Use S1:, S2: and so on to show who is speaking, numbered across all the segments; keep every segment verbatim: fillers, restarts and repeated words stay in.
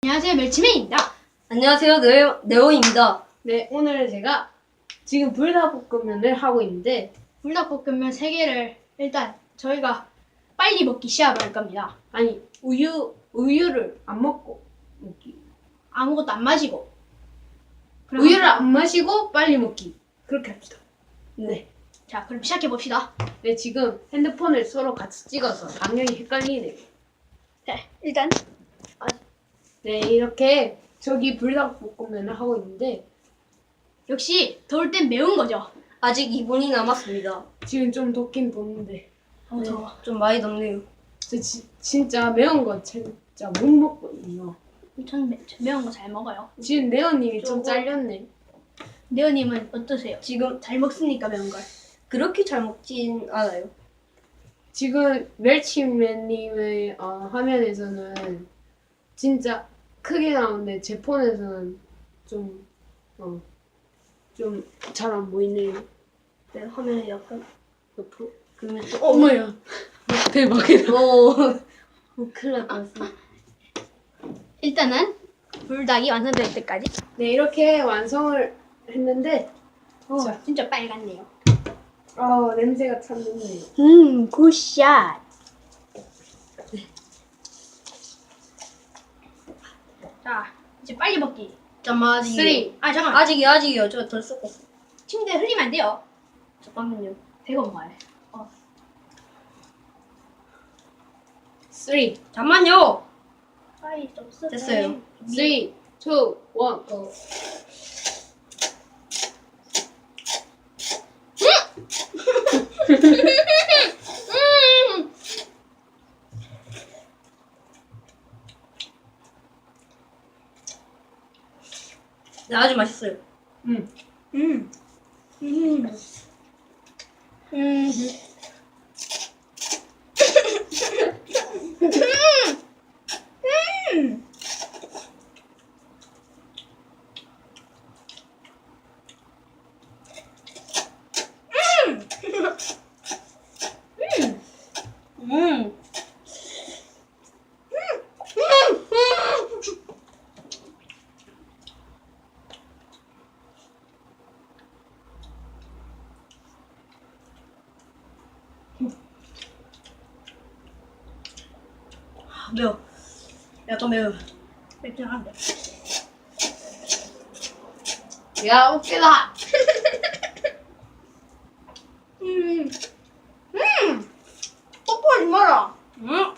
S1: 안녕하세요, 멸치맨입니다.
S2: 안녕하세요, 네오, 네오입니다.
S3: 네, 오늘 제가 지금 불닭볶음면을 하고 있는데
S1: 불닭볶음면 세 개를 일단 저희가 빨리 먹기 시합을 할 겁니다.
S3: 아니 우유 우유를 안 먹고 먹기
S1: 아무것도 안 마시고. 그럼
S3: 우유를 안 마시고 빨리 먹기 그렇게 합시다. 네,
S1: 자, 그럼 시작해 봅시다.
S3: 네 지금 핸드폰을 서로 같이 찍어서 방향이 헷갈리네요.
S1: 네, 일단
S3: 네, 이렇게 저기 불닭볶음면을 하고 있는데
S1: 역시 더울 땐 매운 거죠.
S2: 아직 이 분이 남았습니다.
S3: 지금 좀 덥긴 덥는데
S1: 어, 더워.
S2: 좀 많이 덥네요.
S3: 저 지, 진짜 매운 거 진짜 못 먹거든요.
S1: 전 매, 저 매운 거 잘 먹어요.
S3: 지금 네오님이 좀
S2: 저거-
S3: 잘렸네.
S1: 네오님은 어떠세요?
S2: 지금
S1: 잘 먹습니까, 매운 걸?
S2: 그렇게 잘 먹진 않아요.
S3: 지금 멸치맨님의 어, 화면에서는 진짜 크게 나오는데 제 폰에서는 좀 어, 좀 잘 안 보이네요.
S2: 네, 화면이 약간
S3: 옆으로.
S2: 그러면 또
S3: 어머야. 대박이다.
S2: 오, 오 큰일 날 뻔했어.
S1: 일단은 불닭이 완성될 때까지.
S3: 네, 이렇게 완성을 했는데
S1: 어,
S3: 자.
S1: 진짜 빨갛네요.
S3: 아 냄새가 참 좋네요.
S1: 음, 굿샷. 자, 이제 빨리 먹기.
S2: 잠깐만 아직이요.
S3: 쓰리.
S1: 아, 잠깐.
S2: 아직이요, 아직이요. 저 덜 썩고.
S1: 침대에 흘리면 안 돼요.
S2: 잠깐만요.
S1: 대고 먹어야 돼. 어.
S3: 쓰리,
S2: 잠만요.
S1: 빨리 좀 쓰.
S2: 됐어요.
S3: 쓰리, 투, 원, 고.
S1: 음!
S2: 네, 아주 맛있어요.
S3: 음.
S1: 음. 음. 음. 음.
S2: 음. 아, 매워. 약간 매워.
S1: 맵찔한데.
S3: 야 웃기다.
S1: 음. 음. 뽀뽀하지 마라.
S2: 음.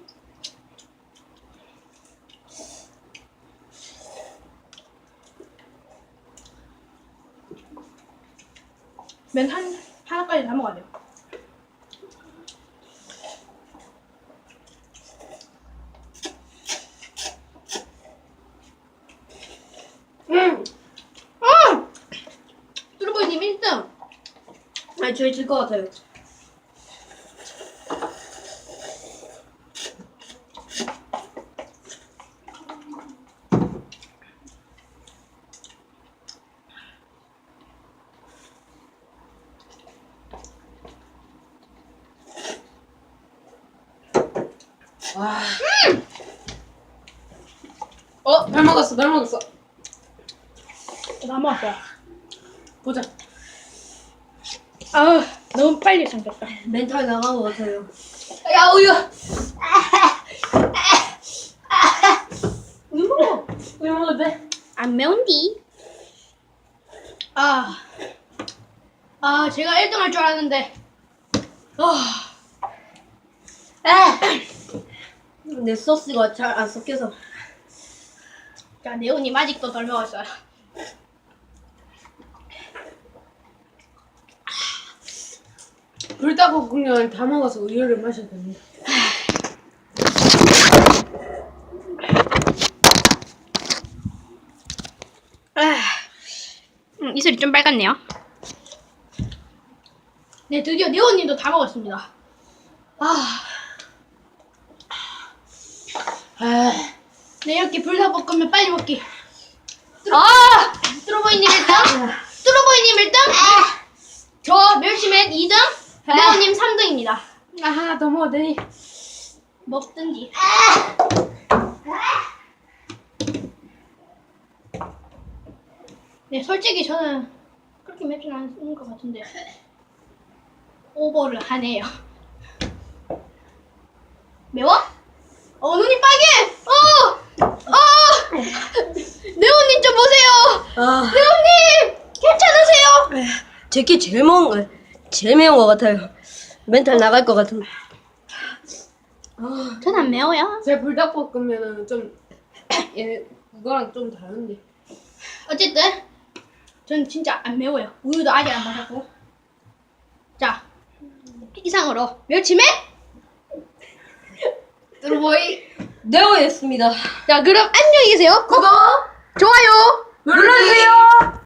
S1: 면 한, 하나까지 다 먹어야 돼요.
S3: 음.
S1: 아! 뚜루보이님 일 등.
S2: 아니, 저희 질 것 같아요.
S3: 와. 어, 잘 먹었어, 잘 먹었어.
S1: 다 먹었어요.
S3: 보자.
S1: 아, 너무 빨리 잠겼다.
S2: 멘탈 나간 것 같아요.
S3: 야 우유.
S1: 우유 먹어.
S3: 우유 먹어도 돼?
S1: 안 매운디? 아, 아, 제가 일 등 할 줄 알았는데. 아,
S2: 내 소스가 잘 안 섞여서.
S1: 자, 네오님 아직도 덜 먹었어요.
S3: 불닭볶음면을 다 먹어서 우유를 마셔야 됩니다.
S1: 아, 음, 이슬이 좀 빨갛네요. 네, 드디어 네오님도 다 먹었습니다. 아,
S3: 아,
S1: 네, 이렇게 불닭볶음면 빨리 먹기. 아! 뚜루보이님 일 등, 뚜루보이님 일 등, 저 멸치맨 이 등, 네오님 삼 등입니다.
S3: 나 하나 더 먹어도 되니?
S1: 먹든지. 네, 솔직히 저는 그렇게 맵진 않은 것 같은데 오버를 하네요. 매워? 어, 눈이 빨개! 어! 어! 네오님 좀 보세요!
S2: 아,
S1: 네오님! 괜찮으세요?
S2: 제게 제일 매운 거, 제일 매운 것 같아요. 멘탈 나갈 것 같은.
S3: 아,
S1: 전 안 매워요.
S3: 제 불닭볶음면은 좀 얘 그거랑 좀 다른데.
S1: 어쨌든 전 진짜 안 매워요. 우유도 아직 안 마셨고. 자, 이상으로 멸치맨 뚜루보이.
S2: 네오였습니다.
S1: 자, 그럼 안녕히 계세요. 구독, 좋아요
S3: 눌러주세요.